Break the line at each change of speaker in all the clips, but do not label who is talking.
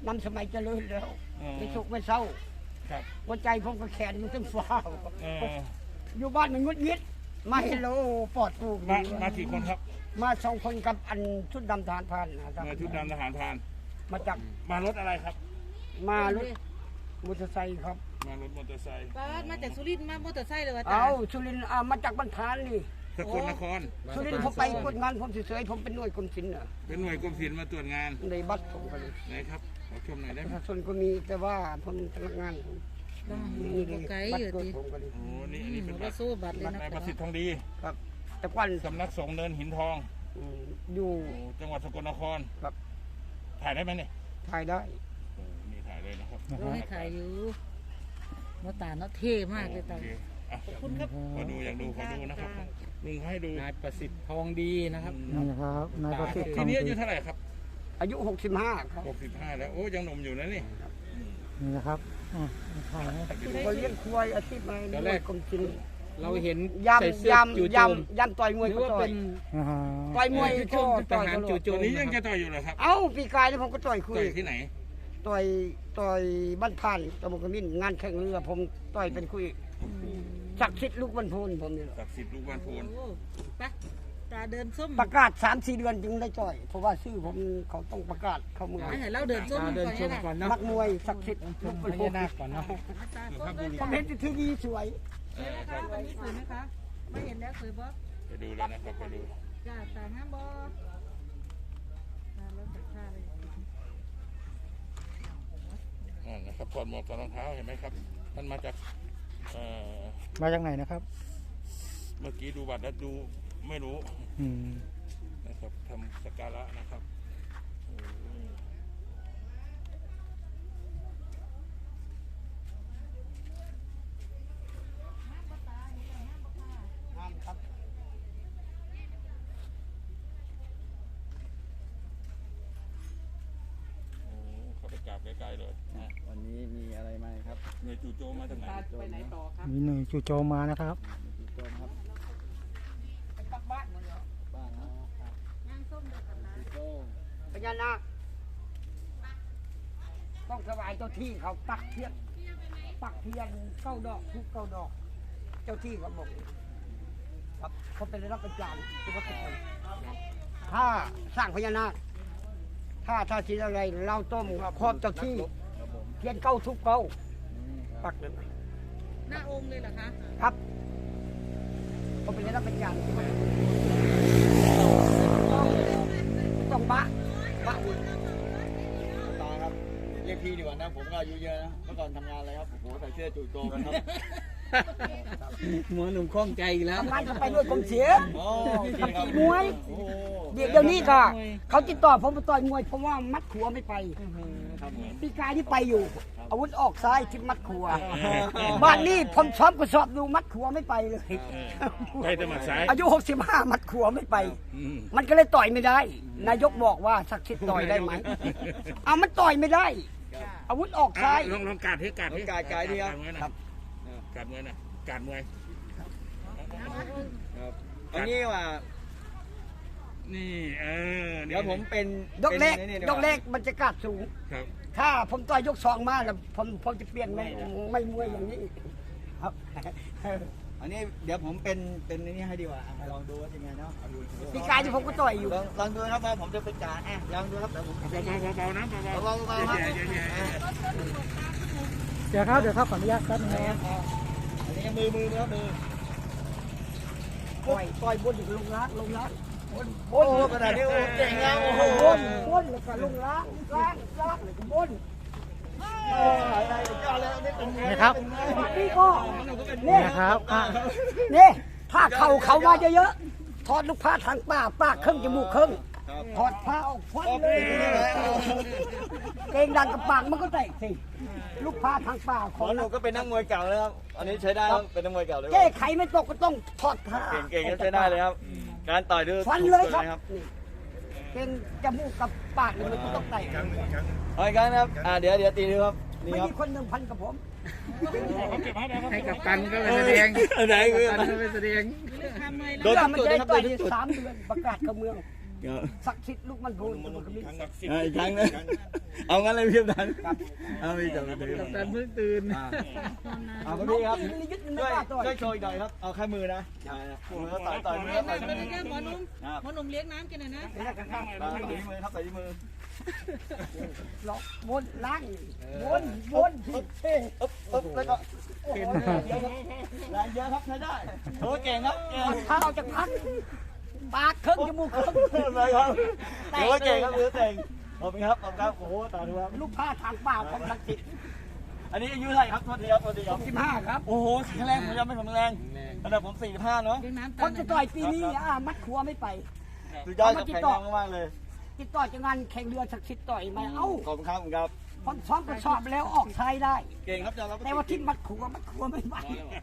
นำสมัยเจริญแล้วไม่ทุกข์ไม่เศร้าหัวใจผมก็แขนมันต้องฟ้าวอยู่บ้านมันงุดงิดมาเฮลโลปอดปู
มากี่คนครับ
มา2 คนกับอันชุดดำทหารพรานนะครับ
ชุดดำทหารพราน
มาจาก
มารถอะไรครับ
มารถมอเตอร์ไซค์ครับ
มารถมอเตอร์ไซค์
มาจากสุรินทร์มามอเตอร์ไซค์เลยวะ
เอาสุรินทร์มาจากบ้านพานนี่
สกลนคร
สุรินทร์ผมไปตรวจงานผมเฉยๆผมเป็นหน่วยกรมศิลป์
เป็นหน่วยกรมศิลป์มาตรวจงาน
ในบัตรผมก็เลย
ไหนครับขอชมหน่อยได้ไหม
ประชาชนก็มีแต่ว่าผมพนักงาน
นี่ไกลอยู่ดิ
โอ้นี่เป็นบัตร
สู้บัตรเลยนะ
นายประสิทธิ์ทองดี
ครับแต่ก่อน
สำนักสงฆ์เนินหินทอง
อยู่
จังหวัดสกลนคร
ครับ
ถ่ายได้ไหมเนี่ย
ถ่ายได้
นี่ถ่ายเลยนะครับ
ให้ถ่ายอยู่น้าตาเนาะเท่มากเลยตา
ขอบคุณครับขอดูอยากดูขอดูนะครับลุงให้ดู
นายประสิทธิ์ทองดีนะครับ
นี่ครับนายประสิทธิ์
ทีนี้อายุเท่าไหร่ครับ
อายุ65ครับ
65แล้วโอ้ยังหนุ่มอยู่นะนี่
นี่นะครับถ่ายก็เลี้ยงควายอาชีพอะไรตอนแรกกรมศิลป์
เราเห็น
ยำต่อยมวยก็ต่อยต่อยมวยก็ต่อย
จู่โจมนี้ยังจะต่อยอยู่เหรอครับ
เอ้าปีกายนี่ผมก็ต่อยคุย
ที่ไหน
ต่อยบ้านพานตะบนกระมิ้นงานแข่งเรือผมต่อยเป็นคุยศักดิ์สิทธิ์ลูกบ้านโพนผมนี่
ศักดิ์สิทธิ์ลูกบ้านโพน
ไปตาเดินส้ม
ประกาศ 3-4 เดือนจึงได้ต่อยเพราะว่าชื่อผมเขาต้องประกาศเข้าเมือง
ให้เราเดินส้ม
ก่อนนะ
นักมวยศักดิ์สิทธิ์ลูกบ้านโพน
ก่อนนะ
ผมเห็นทีวีสวย
วันนี้สวยไหมคะไม่เห็นแล้วสวยบ๊อบ
ไปดูแล้วนะครับไปดู
จ้าตาห้ามบ๊อบแล้วใส่ผ้าเลย
นะครับถอดหมวกถอดรองเท้าเห็นไหมครับมันมาจาก
ไหนนะครับ
เมื่อกี้ดูบัตรแล้วดูไม่รู้นะครับทำสักการะนะครับกราบไกลๆเลย
วันนี้มีอะไรมาครับ
หน่วยจู่โจมมาจากไหน
ไปไหนต่อครับ
มีหน่วยจู่โจมมานะครับ
จู่โจมครับ
ไปปักบ้านหมดเลย
บ้านนะครับ
ย่างส้มเด็กกันนะ
พญานาคต้องถวายเจ้าที่เขาปักเทียน9 ดอกทุก9 ดอกเจ้าที่เขาบอกครับเขาเป็นรับประจานทุกคนถ้าสร้างพญานาคถ้าสิ่งอะไรเราต้มครอบเจ้าที่เทียน9 ทุก 9ปักเลย
หน้าองค์เลยเหรอคะ
ครับเขาเป็นรับประจานต้องบะ
ตาครับเรียกพี่ดีกว่านะผมก็อายุเยอะนะเมื่อก่อนทำงานอะไรครับโอ้โหใส่เสื้อจู่โจมครับหัวหนุ่มคล่องใจแล้ว
ทำงานก็ไปด้วยกรมศิลป์ตีมวยเดี๋ยวนี้ก็เขาติดต่อผมไปต่อยมวยเพราะว่ามัดขัวไม่ไปปีกายที่ไปอยู่อาวุธออกซ้ายทิศมัดขัวบ้านนี้ผมซ้อมกระสอบดูมัดขัวไม่ไปเลย
ไปแต่มัดซ้าย
อายุ65มัดขัวไม่ไปมันก็เลยต่อยไม่ได้นายกบอกว่าศักดิ์สิทธิ์ต่อยได้ไหมเอามันต่อยไม่ได้อาวุธออกซ้าย
ลองกาดที่
กาดดี
ครับกาดมวยนะกาดมวย
อันนี้ว่า
นี่
เดี๋ยวผมเป็น
ยกเล็กมันจะกาดสูงถ้าผมต่อยยก2มาแล้วผมจะเปลี่ยนไม่มวยอย่างนี้ครับ
อันนี้เดี๋ยวผมเป็นนี่ให้ดีกว่าลองดูว่าเป็นไงเนาะ
ปีกายที่ผมก็ต่อยอยู่
ลองดูครับว่าผมจะเป็นจ่าลองดูครับเดี๋ยวผม
เบาๆนะ
เบาครับ
เดี๋ยวครับขออนุญาตครับ
อันนี้มือครับ
ต่อยบนลงล้าง
โอ้ขนาดนี้เก่งแล้วโอ้โห
บนแล้วก็ลงล้างบนนี่ครับนี่ก็นี่ครับนี่ผ้าเขามาเยอะๆถอดลูกผ้าทางปากครึ่งจมูกครึ่งถอดผ้าออกฟันเลยเกงดันกับปากมันก็แตกสิลูกผ้าทางปาก
ของหนูก็เป็นนักมวยเก่าแล้วครับอันนี้ใช้ได้เป็นนักมวยเก่าเลย
แก้ไขไม่ตกก็ต้องถอดผ้า
เก่งใช้ได้เลยครับการต่อยด้วย
ฟันเลยครับเกงจมูกกับปากมันก็ต้องแตก
เอาอีกครั้งครับเดี๋ยวตีดูครับ
นี่ครับมีคน1,000กับผม
ให้กับตันก็ไปแสดงไหนคือตันก็ไปแสดง
โดนมันจะได้ต่อย3 เดือนประกาศเข้าเมือง
ครับ
ศักดิ์สิทธิ์ลูกมันพูนมันก็มี
ศักดิ์สิทธิ์
อีกครั้งนะเอางั้นเลยพี่กัปตันเอาพี่จับมือ
แต่เพิ่งตื่น
เอาพี่ครับ
น้องยึดมัน
ช่
ไม่
วย
กล้าต่อย
ช่วยโชว์อีกหน่อยครับเอาแค่มือนะมือต่อยมือ
เลี้ยง
ต่อย
น้ำ
มื
เลย
อ
นะหมอหนุ่มหมอหนุ่มเลี้ยงน้ำกินหน่อยนะ
ต่อยที่มือครับต่อยที่มือ
หลอกวนล้างวนที่เท่
แล้วก็เห็นแรงเยอะครับใช้ได้โอ้เก่งครับเก่ง
เท้าจะพักปากเครื่องจมูกเครื่อง
เลยครับโอ้เก่งครับเรือเก่งขอบคุณครับขอบคุณครับโอ้โหตาดูครับ
ลูกผ้าทางป่าของลังสิต
อันนี้อายุเท่าไหร่ครับโทษทีครับโทษทีครับ
15ครับ
โอ้โหแข็งแรงผมยังไม่แข็งแรงระดับผม45เนาะ
เลี้ยงน้ำ
คนจะต่อยปีนี้มัดขัวไม่ไป
สุดยอดครับแข็งแรงมากเลย
ติดต่อจากงานแข่งเรือศักดิ์สิทธิ์ต่อยมาเอ้า
ขอบคุณครับครับ
พอซ้อมก็สอบแล้วออกชายได้
เก่งครับจะรับ
แต่ว่าที่มัดขัวไม่ไป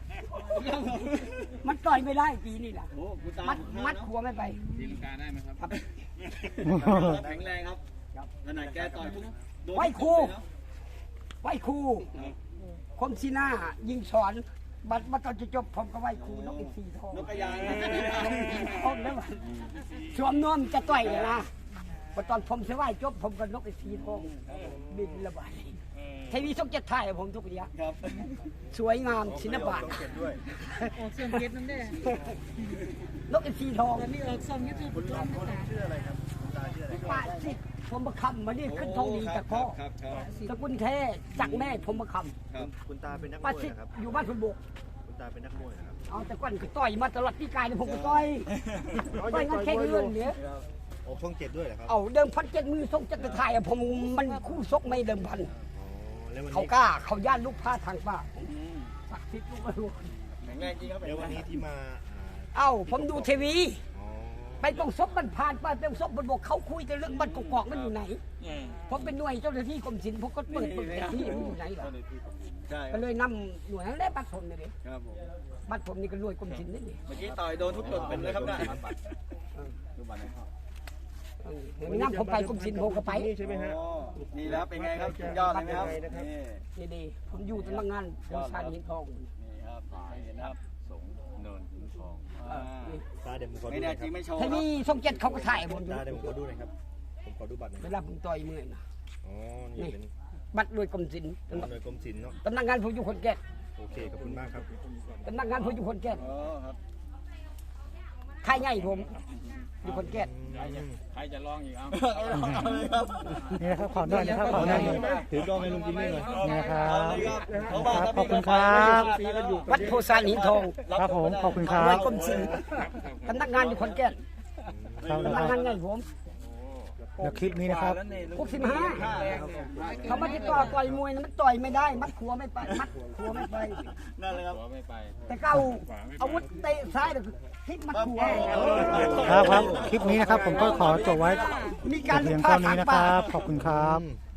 มันต่อยไม่ได้ปีนี้แหละ
โอ้คุณตา
มัดขัวไม่ไป
ตีลังกาได้ไหมครับ
แข็งแรงครับขนาดแกต่อย
ไหวครูคมชีหน้ายิงสอนบัตรตอนจะจบผมก็ไหวครูนกอีก4 ทอง
นกกระยาง
พร้อมแล้วสวมนวมจะต่อยเลยนะพอตอนผมเสียไหวจบผมก็นกอีก4 ทองบินระบายทีวีช่อง7ถ่ายผมทุกอย่าง
ครับ
สวยงามศิลปะ
ออกเสียงเก็ดนั่นได้
นกอีก4 ทอง
ตอนนี้ออกซองยูทูบคุณร้องภาษา
ป้าสิผมประคำมานี่ขึ้นทองดีจากพ่อ
ครับครับ
สกุลแท้จากแม่ผมประค
ครับ
คุณตาเป็นนัก
ำ
ม
ป้า
วย
สิ
นะครับ
อยู่บ้านคุณบุก
คุณตาเป็นนักมวยนะครับ
เอาแต่ก่อนก็ต่อยมาตลอดปีกายเนี่ยผมก็ต่อยงานแข่งเรื่องเนี่ย
ออกช่องเจ็ดด้วยเหรอครับ
เอาเดิมพัน7 มือส่งจักรถ่ายอะผมมันคู่ซกไม่เดิมพัน
อ๋อ แล้ววัน
เขา
นี้
กล้าเขาย่านลูกผ้าทางป้าศักดิ์สิทธิ์ลูกไม่รู้
แข็งแรงจริงครับ
แล้ววันนี้ที่มา
เอ้าผมดูทีวี
อ๋อ
ไปตรงซบมันผ่านไปเป็นซบมันบอกเขาคุยแต่เรื่องบ้านกอกๆมันอยู่ไหน ผมเป็นหน่วยเจ้าหน้าที่กรมศิลป์ผมก็เปิดที่มันอยู่ไหนล่ะ
ใช่
ก็เลยนำหน่วยนั้นแหละบัตรผมนี่เลย
ครับผม
บัตรผมนี่ก็หน่วยกรมศิลป์นี่
เมื่อกี้ต่อยโดนทุกจุดเป็นเลยครับเนี่ยดูบัตรนะครับ
เห็นน้ำผมไปกรมศิลป์ผมก็ไป
นี่ใช่ไหมฮะ
นี่แล้วเป็นไงครับยอดเลยไหมครับนี่
ดีๆผมอยู่ตำนักงานบริษัทหินทอง
นี่ครับเห็นครับสงเนินหินทอง
ตาเดี๋ยวผมขอ
ไม่
ดูห
แน่
น่อย
จ
ค
ริ
รั
ง
บ
ไม่โชว์
ทีนี้ช่อง7เขาก็ถ่ายผมอยู่
ตาเดี๋ยวผมขอดูหน่อยครับ ผมขอดูบัตรหน่อย
เวลาผมต่อยมือนะ
อ๋อ นี่เป็น
บัตรหน่วยกรมศิลป์
หน่วยกรมศิลป์เนาะ
ตำนักงานผมอยู่คนแก่น
โอเค ขอบคุณมากครับ
ตำนักงานผมอยู่คนแก่น
อ๋อครับ
ค่ายใหญ่ผมอยู่คนแก่น
ใครจะลองอีกเอา
นี่นะครับขอหน่อยนะครับขอหน่อย
ถือกล้องให้ลุงจิมมี่หน่อย
นี่นะครับ
ขอบคุณครับ
วัดโพสานหินทอง
ครับผมขอบคุณครั
หน่วย
บ
กรมศิลป์ตำนักงานอยู่คนแก่น
ครับ
ตำนักงานใหญ่ผม
แล้วคลิปนี้นะครับ
65เขามาติดต่อต่อยมวยนะมันต่อยไม่ได้ มัดขัวไม่ไปมัดขัวไม่ไป
นั่นเลยครับ
หัวไม่ไป
แต่เก้าอาวุธเตะซ้ายแต่พลิกมัดขัว
ครับครับ คลิปนี้นะครับผมก็ขอจบไว้
มีการ
เพียง
พา
เท่านี้
ทาง
นะค
ป่า
รับ ขอบคุณครับ